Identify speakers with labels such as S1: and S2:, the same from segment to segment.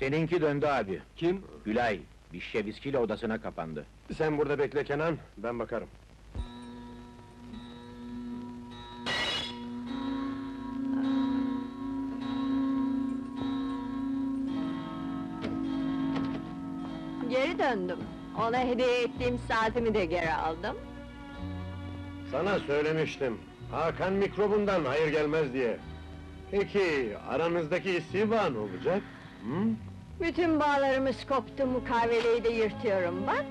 S1: Seninki döndü abi.
S2: Kim?
S1: Gülay, bir şişe viskiyle odasına kapandı.
S2: Sen burada bekle Kenan, ben bakarım.
S3: Geri döndüm. Ona hediye ettiğim saatimi de geri aldım.
S2: Sana söylemiştim, Hakan mikrobundan hayır gelmez diye. Peki, aranızdaki istiba ne olacak? Hı?
S3: Bütün bağlarımız koptu, mukaveleyi de yırtıyorum, bak!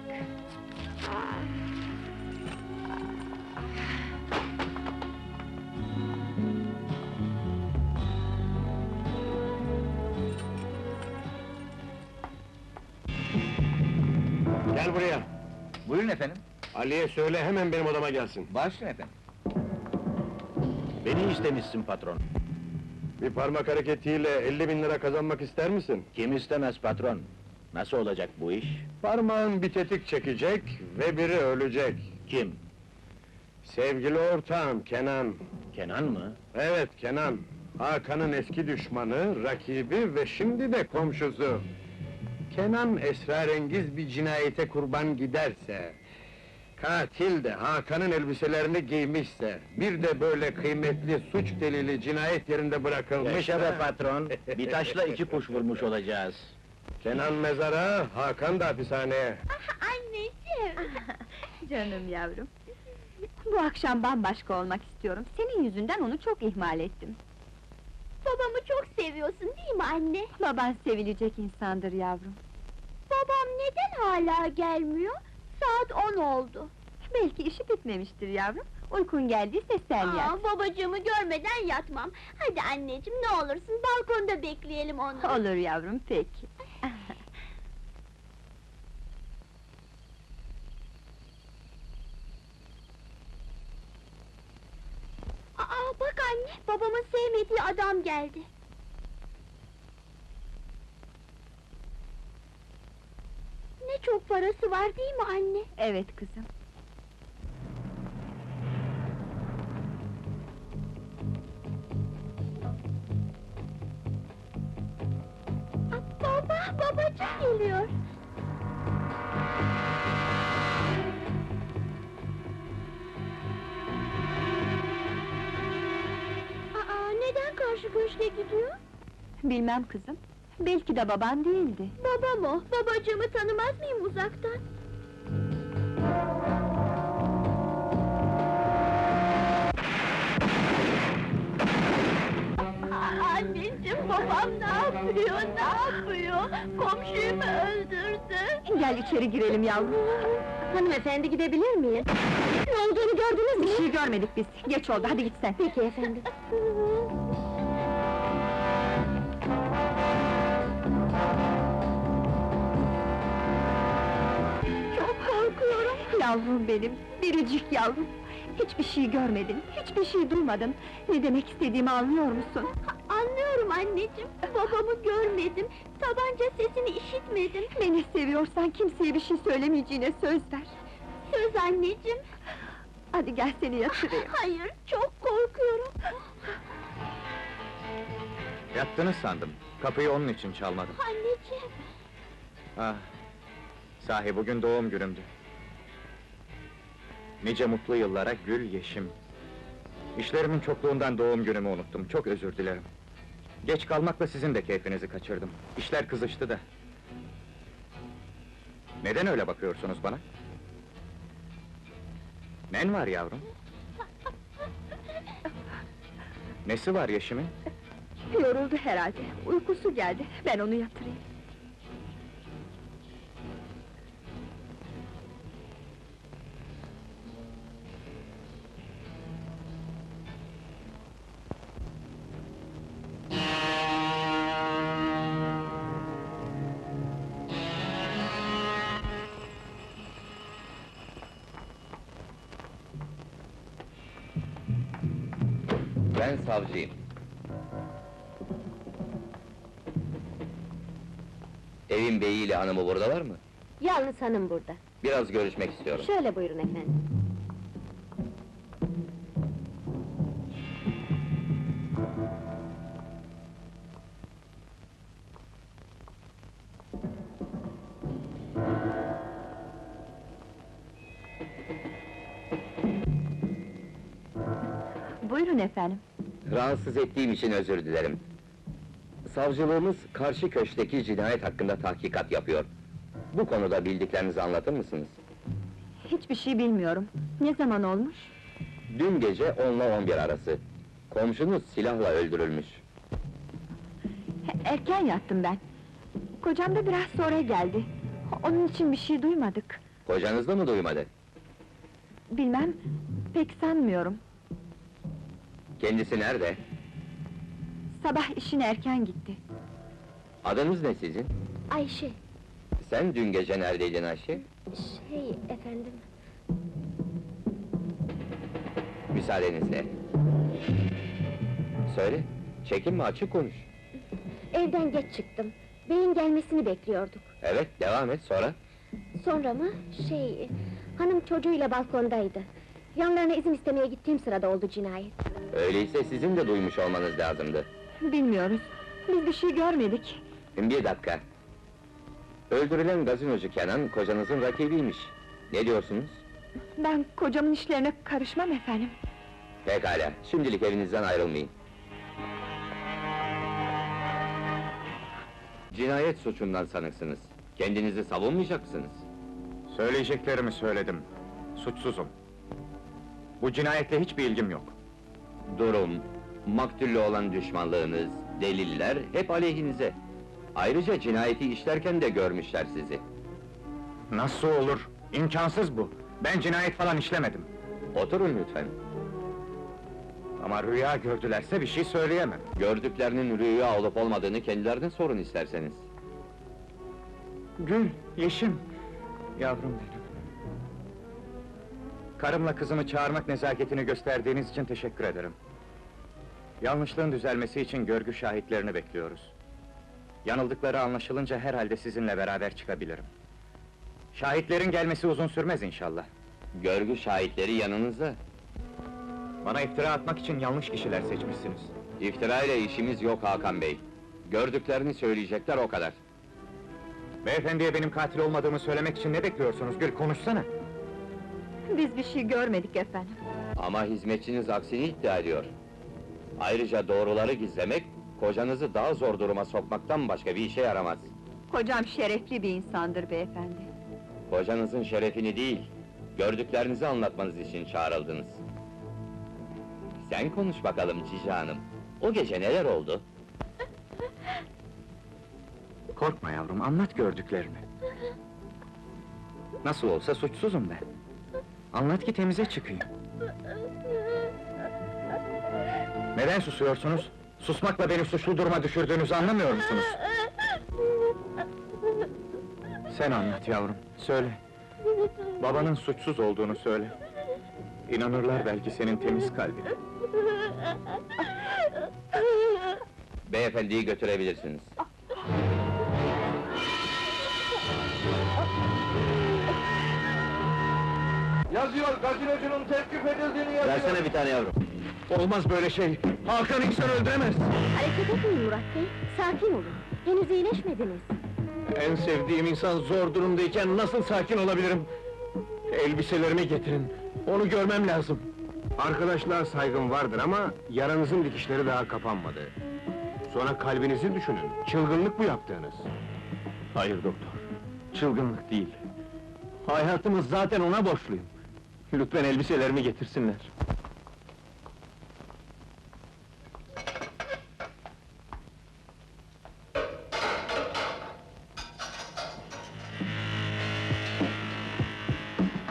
S2: Gel buraya!
S1: Buyurun efendim.
S2: Ali'ye söyle hemen benim odama gelsin.
S1: Başlayın efendim. Beni istemişsin patron.
S2: Bir parmak hareketiyle 50.000 lira kazanmak ister misin?
S1: Kim istemez patron? Nasıl olacak bu iş?
S2: Parmağın bir tetik çekecek ve biri ölecek.
S1: Kim?
S2: Sevgili ortağım Kenan.
S1: Kenan mı?
S2: Evet Kenan. Hakan'ın eski düşmanı, rakibi ve şimdi de komşusu. Kenan esrarengiz bir cinayete kurban giderse, katil de Hakan'ın elbiselerini giymişse, bir de böyle kıymetli suç delili cinayet yerinde bırakılmış...
S1: Yaşa be patron, bir taşla iki kuş vurmuş olacağız.
S2: Kenan mezara, Hakan da hapishaneye.
S4: Anneciğim!
S5: Canım yavrum! Bu akşam bambaşka olmak istiyorum. Senin yüzünden onu çok ihmal ettim.
S4: Babamı çok seviyorsun değil mi anne?
S5: Baban sevilecek insandır yavrum.
S4: Babam neden hala gelmiyor? Saat 10 oldu.
S5: Belki işi bitmemiştir yavrum. Uykun geldiyse sen yat.
S4: Babacığımı görmeden yatmam. Hadi anneciğim ne olursun balkonda bekleyelim onu.
S5: Olur yavrum, peki.
S4: Bak anne, babamın sevmediği adam geldi. Ne çok parası var değil mi anne?
S5: Evet kızım.
S4: Babacığım geliyor. Neden karşı köşke gidiyor?
S5: Bilmem kızım. Belki de baban değildi.
S4: Babam o, babacığımı tanımaz mıyım uzaktan? Anneciğim, babam ne yapıyor, ne yapıyor? Komşuyu mu öldürdü?
S5: Gel içeri girelim yavrum.
S3: Hanımefendi, gidebilir miyim?
S5: Ne olduğunu gördünüz mü? Bir şey görmedik biz. Geç oldu, hadi git sen.
S3: Peki efendim.
S5: Çok korkuyorum. Yavrum benim, biricik yavrum. Hiçbir şey görmedin, hiçbir şey duymadın. Ne demek istediğimi anlıyor musun?
S4: Anlıyorum anneciğim, babamı görmedim, tabanca sesini işitmedim.
S5: Beni seviyorsan kimseye bir şey söylemeyeceğine söz ver.
S4: Söz anneciğim.
S5: Hadi gel seni yatırayım.
S4: Hayır, çok korkuyorum.
S1: Yattınız sandım. Kapıyı onun için çalmadım.
S4: Anneciğim.
S1: Ah! Sahi bugün doğum günümdü. Nice mutlu yıllara gül yeşim. İşlerimin çokluğundan doğum günümü unuttum, çok özür dilerim. Geç kalmakla sizin de keyfinizi kaçırdım. İşler kızıştı da. Neden öyle bakıyorsunuz bana? Nen var yavrum? Nesi var Yeşim'in?
S5: Yoruldu herhalde, uykusu geldi. Ben onu yatırayım.
S6: Ben savcıyım. Evin beyiyle hanımı buradalar mı?
S3: Yalnız hanım burada.
S6: Biraz görüşmek istiyorum.
S3: Şöyle buyurun efendim.
S5: Buyurun efendim.
S6: Rahatsız ettiğim için özür dilerim. Savcılığımız karşı köşkteki cinayet hakkında tahkikat yapıyor. Bu konuda bildiklerinizi anlatır mısınız?
S5: Hiçbir şey bilmiyorum. Ne zaman olmuş?
S6: Dün gece 10 ile 11 arası. Komşunuz silahla öldürülmüş.
S5: Erken yattım ben. Kocam da biraz sonra geldi. Onun için bir şey duymadık.
S6: Kocanız da mı duymadı?
S5: Bilmem, pek sanmıyorum.
S6: Kendisi nerede?
S5: Sabah işine erken gitti.
S6: Adınız ne sizin?
S4: Ayşe,
S6: Sen dün gece neredeydin Ayşe?
S4: efendim.
S6: Müsaadenizle. Söyle, çekinme, açık konuş.
S4: Evden geç çıktım. Beyin gelmesini bekliyorduk.
S6: Evet, devam et, sonra?
S4: Sonra mı? Hanım çocuğuyla balkondaydı. Yanlarına izin istemeye gittiğim sırada oldu cinayet.
S6: Öyleyse sizin de duymuş olmanız lazımdı.
S5: Bilmiyoruz. Biz bir şey görmedik.
S6: Bir dakika. Öldürülen gazinocu Kenan, kocanızın rakibiymiş. Ne diyorsunuz?
S5: Ben kocamın işlerine karışmam efendim.
S6: Pekala, şimdilik evinizden ayrılmayın. Cinayet suçundan sanıksınız. Kendinizi savunmayacak mısınız?
S1: Söyleyeceklerimi söyledim. Suçsuzum. Bu cinayetle hiçbir ilgim yok.
S6: Durum, maktulle olan düşmanlığınız, deliller hep aleyhinize. Ayrıca cinayeti işlerken de görmüşler sizi.
S1: Nasıl olur? İmkansız bu! Ben cinayet falan işlemedim.
S6: Oturun lütfen.
S1: Ama rüya gördülerse bir şey söyleyemem.
S6: Gördüklerinin rüya olup olmadığını kendilerine sorun isterseniz.
S1: Gül, Yeşim! Yavrum benim! Karımla kızımı çağırmak nezaketini gösterdiğiniz için teşekkür ederim. Yanlışlığın düzelmesi için görgü şahitlerini bekliyoruz. Yanıldıkları anlaşılınca herhalde sizinle beraber çıkabilirim. Şahitlerin gelmesi uzun sürmez inşallah.
S6: Görgü şahitleri yanınızda.
S1: Bana iftira atmak için yanlış kişiler seçmişsiniz.
S6: İftira ile işimiz yok Hakan Bey. Gördüklerini söyleyecekler, o kadar.
S1: Beyefendiye benim katil olmadığımı söylemek için ne bekliyorsunuz Gül, konuşsana!
S5: Biz bir şey görmedik efendim.
S6: Ama hizmetçiniz aksini iddia ediyor. Ayrıca doğruları gizlemek, kocanızı daha zor duruma sokmaktan başka bir işe yaramaz.
S5: Kocam şerefli bir insandır beyefendi.
S6: Kocanızın şerefini değil, gördüklerinizi anlatmanız için çağrıldınız. Sen konuş bakalım Cici Hanım. O gece neler oldu?
S1: Korkma yavrum, anlat gördüklerini. Nasıl olsa suçsuzum ben. Anlat ki temize çıkayım. Neden susuyorsunuz? Susmakla beni suçlu duruma düşürdüğünüzü anlamıyor musunuz? Sen anlat yavrum, söyle. Babanın suçsuz olduğunu söyle. İnanırlar belki senin temiz kalbine.
S6: Beyefendiyi götürebilirsiniz.
S2: Yazıyor, gazinocunun tevkif edildiğini yazıyor!
S6: Versene bir tane yavrum.
S1: Olmaz böyle şey! Hakan insan öldüremez!
S4: Hareket etmeyin Murat Bey, sakin olun. Henüz iyileşmediniz.
S2: En sevdiğim insan zor durumdayken nasıl sakin olabilirim? Elbiselerimi getirin, onu görmem lazım. Arkadaşlığa saygım vardır ama yaranızın dikişleri daha kapanmadı. Sonra kalbinizi düşünün, çılgınlık bu yaptığınız.
S1: Hayır doktor, çılgınlık değil.
S2: Hayatımı zaten ona borçluyum. Lütfen elbiselerimi getirsinler.